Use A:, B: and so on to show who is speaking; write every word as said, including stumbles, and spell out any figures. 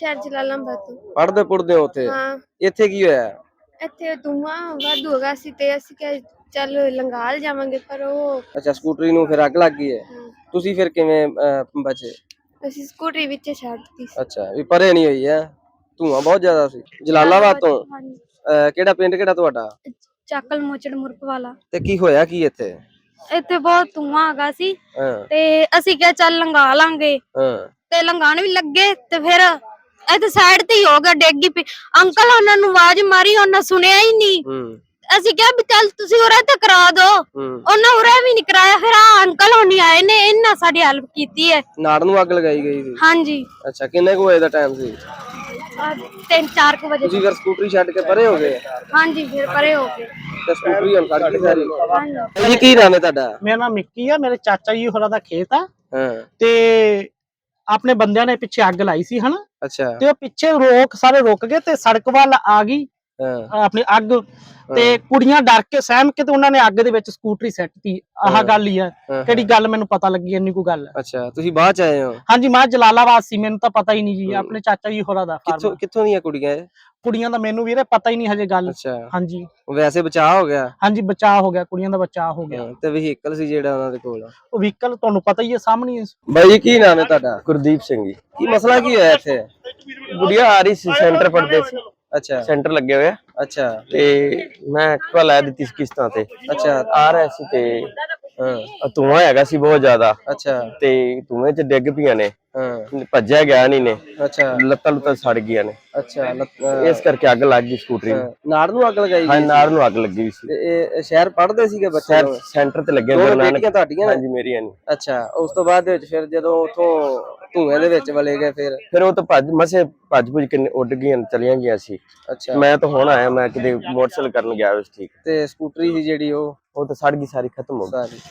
A: ਸ਼ਹਿਰ ਜਲਾਲਾਬਾਦ ਤੋਂ।
B: ਪੜਦੇ ਪੁੜਦੇ ਹੋ ਉੱਥੇ?
A: ਹਾਂ।
B: ਇੱਥੇ ਕੀ ਹੋਇਆ?
A: ਇੱਥੇ ਧੂੰਆਂ ਵਾਧੂ ਹੈਗਾ ਸੀ ਤੇ ਅਸੀਂ ਕਿਹਾ ਚੱਲ ਲੰਗਾਲ ਜਾਵਾਂਗੇ, ਪਰ ਉਹ
B: ਅੱਛਾ, ਸਕੂਟਰੀ ਨੂੰ ਫਿਰ ਅੱਗ ਲੱਗ ਗਈ ਹੈ। ਤੁਸੀਂ ਫਿਰ ਕਿਵੇਂ ਬਚੇ?
A: ਅਸੀਂ ਸਕੂਟਰੀ ਵਿੱਚ ਛੱਡਤੀ ਸੀ।
B: ਅੱਛਾ, ਵੀ ਪਰੇ ਨਹੀਂ ਹੋਈ ਹੈ? ਧੂੰਆਂ ਬਹੁਤ ਜ਼ਿਆਦਾ ਸੀ। ਜਲਾਲਾਬਾਦ ਤੋਂ? ਕਿਹੜਾ ਪਿੰਡ ਕਿਹੜਾ ਤੁਹਾਡਾ?
A: ਚੱਕਲ ਮੋਚੜ ਮੁਰਕ ਵਾਲਾ।
B: ਤੇ ਕੀ ਹੋਇਆ ਕੀ ਇੱਥੇ?
A: ਇੱਥੇ ਬਹੁਤ ਧੂੰਆਂ ਹੈਗਾ ਸੀ ਤੇ ਅਸੀਂ ਕਿਹਾ ਚੱਲ ਲੰਗਾ ਲਾਂਗੇ ਤੇ ਲੰਗਾਣ ਵੀ ਲੱਗੇ ਤੇ ਫਿਰ ਇੱਥੇ ਸਾਈਡ ਤੇ ਹੀ ਹੋ ਗਿਆ, ਡੇਗੀ ਪਈ। ਅੰਕਲ ਉਹਨਾਂ ਨੂੰ ਆਵਾਜ਼ ਮਾਰੀ, ਉਹਨਾਂ ਸੁਣਿਆ ਹੀ ਨਹੀਂ। ਅਸੀਂ ਕਿਹਾ ਵੀ ਚੱਲ ਤੁਸੀਂ ਉਰੇ ਤੇ ਕਰਾ ਦੋ, ਉਹਨਾਂ ਉਰੇ ਵੀ ਨਹੀਂ ਕਰਾਇਆ। ਫਿਰ ਆ ਅੰਕਲ ਹੋਣੀ ਆਏ ਨੇ, ਇਹਨਾਂ ਸਾਡੀ ਹੈਲਪ ਕੀਤੀ ਹੈ।
B: ਨਾੜ ਨੂੰ ਅੱਗ ਲਗਾਈ ਗਈ ਸੀ?
A: ਹਾਂਜੀ।
B: ਅੱਛਾ, ਕਿੰਨੇ ਕੁ ਵਜੇ ਦਾ ਟਾਈਮ ਸੀ?
A: ਤਿੰਨ ਚਾਰ ਕੁ ਵਜੇ।
B: ਤੁਸੀਂ ਫਿਰ ਸਕੂਟਰੀ ਛੱਡ ਕੇ ਪਰੇ ਹੋ ਗਏ?
A: ਹਾਂਜੀ, ਫਿਰ ਪਰੇ ਹੋ ਗਏ
B: ਤੇ ਸਕੂਟਰੀ ਹੁਣ ਸੜ ਗਈ ਸਾਰੀ? ਹਾਂਜੀ। ਕੀ ਨਾਮ ਹੈ ਤੁਹਾਡਾ?
C: ਮੇਰਾ ਨਾਮ ਮਿੱਕੀ ਆ, ਮੇਰੇ ਚਾਚਾ ਜੀ ਹੋਰਾਂ ਦਾ ਖੇਤ ਆ।
B: ਹਾਂ।
C: ਤੇ ਆਪਣੇ ਬੰਦਿਆਂ ਨੇ ਪਿੱਛੇ ਅੱਗ ਲਾਈ ਸੀ ਹਨਾ।
B: ਅੱਛਾ।
C: ਤੇ ਉਹ ਪਿੱਛੇ ਰੋਕ ਸਾਰੇ ਰੁਕ ਗਏ ਤੇ ਸੜਕ ਵੱਲ ਆ ਗਈ ਆਪਣੀ ਅੱਗ, ਤੇ ਕੁੜੀਆਂ ਡਰ ਕੇ ਸਹਿਮ ਕੇ ਤੇ ਉਹਨਾਂ ਨੇ ਅੱਗ ਦੇ ਵਿੱਚ ਸਕੂਟਰੀ ਸੱਟਤੀ। ਆਹ ਗੱਲ ਹੀ ਆ, ਕਿਹੜੀ ਗੱਲ ਮੈਨੂੰ ਪਤਾ ਲੱਗੀ ਇੰਨੀ ਕੋਈ ਗੱਲ।
B: ਅੱਛਾ, ਤੁਸੀਂ ਬਾਅਦ ਚ ਆਏ ਹੋ? ਹਾਂਜੀ,
C: ਮੈਂ ਜਲਾਲਾਬਾਦ ਸੀ, ਮੈਨੂੰ ਤਾਂ ਪਤਾ ਹੀ ਨਹੀਂ ਜੀ। ਆਪਣੇ ਚਾਚਾ ਜੀ ਹੋਰਾਂ ਦਾ।
B: ਕਿੱਥੋਂ ਕਿੱਥੋਂ ਦੀਆਂ ਕੁੜੀਆਂ? ਕੁੜੀਆਂ
C: ਦਾ ਮੈਨੂੰ ਵੀਰੇ ਪਤਾ ਹੀ ਨਹੀਂ ਹਜੇ ਗੱਲ।
B: ਅੱਛਾ।
C: ਹਾਂਜੀ।
B: ਵੈਸੇ ਬਚਾਅ ਹੋ ਗਿਆ? ਹਾਂਜੀ,
C: ਬਚਾਅ ਹੋ ਗਿਆ, ਕੁੜੀਆਂ ਦਾ ਬਚਾਅ ਹੋ ਗਿਆ।
B: ਤੇ ਵਹੀਕਲ ਸੀ ਜਿਹੜਾ ਉਹਨਾਂ ਦੇ ਕੋਲ?
C: ਉਹ ਵਹੀਕਲ ਤੁਹਾਨੂੰ ਪਤਾ ਹੀ ਹੈ, ਸਾਹਮਣੇ।
B: ਬਾਈ ਜੀ, ਕੀ ਨਾਮ ਹੈ ਤੁਹਾਡਾ?
D: ਗੁਰਦੀਪ ਸਿੰਘ ਜੀ।
B: ਕੀ ਮਸਲਾ ਕੀ ਹੋਇਆ ਇੱਥੇ?
D: ਗੁੜੀਆ ਆ ਰਹੀ ਸੀ, ਸੈਂਟਰ ਪੜਦੇ ਸੀ।
B: ਅੱਛਾ।
D: ਸੈਂਟਰ ਲੱਗੇ ਹੋਇਆ।
B: ਅੱਛਾ।
D: ਤੇ ਮੈਂ ਐਕਟਿਵਾ ਲੈ ਦਿੱਤੀ ਸੀ ਕਿਸ਼ਤਾਂ ਤੇ।
B: ਅੱਛਾ।
D: ਆ ਰਿਹਾ ਸੀ ਤੇ ਧੂੰਆਂ ਹੈਗਾ ਸੀ ਬਹੁਤ ਜ਼ਿਆਦਾ।
B: ਅੱਛਾ।
D: ਤੇ ਧੂਏ ਚ ਡਿੱਗ ਪਈਆਂ ਨੇ, ਭੱਜਿਆ ਗਿਆ ਨਹੀਂ ਨੇ।
B: ਅੱਛਾ।
D: ਲੱਤਾਂ ਲੁੱਤਾਂ ਸੜ ਗਈਆਂ ਨੇ।
B: ਅੱਛਾ।
D: ਇਸ ਕਰਕੇ ਅੱਗ ਲੱਗ ਗਈ ਸਕੂਟਰੀ ਨੂੰ।
B: ਨਾੜ ਨੂੰ ਅੱਗ ਲਗਾਈ?
D: ਹਾਂ, ਨਾੜ ਨੂੰ ਅੱਗ ਲੱਗੀ ਸੀ।
B: ਇਹ ਸ਼ਹਿਰ ਪੜਦੇ ਸੀਗੇ ਬੱਚੇ?
D: ਸੈਂਟਰ ਤੇ ਲੱਗੇ
B: ਹੋਏ? ਬੇਟੀਆਂ ਤੁਹਾਡੀਆਂ?
D: ਹਾਂਜੀ, ਮੇਰੀਆਂ ਨੇ।
B: ਅੱਛਾ। ਉਸ ਤੋਂ ਬਾਅਦ ਵਿੱਚ ਫਿਰ ਜਦੋਂ ਉਥੋਂ ਧੂਏ ਦੇ ਵਿੱਚ ਵਲੇ ਗਏ ਫਿਰ?
D: ਫਿਰ ਉਹ ਤਾਂ ਭੱਜ ਮਸੇ ਭੱਜ ਭੁੱਜ ਕੇ ਉੱਡ ਗਈਆਂ, ਚਲੀਆਂ ਗਈਆਂ ਸੀ।
B: ਅੱਛਾ।
D: ਮੈਂ ਤਾਂ ਹੁਣ ਆਇਆ, ਮੈਂ ਕਿਤੇ ਮੋਟਰਸਾਈਕਲ ਕਰਨ ਗਿਆ ਸੀ। ਠੀਕ।
B: ਤੇ ਸਕੂਟਰੀ ਸੀ ਜਿਹੜੀ ਉਹ?
D: ਉਹ ਤਾਂ ਸੜ ਗਈ ਸਾਰੀ, ਖਤਮ ਹੋ ਗਈ ਸਾਰੀ।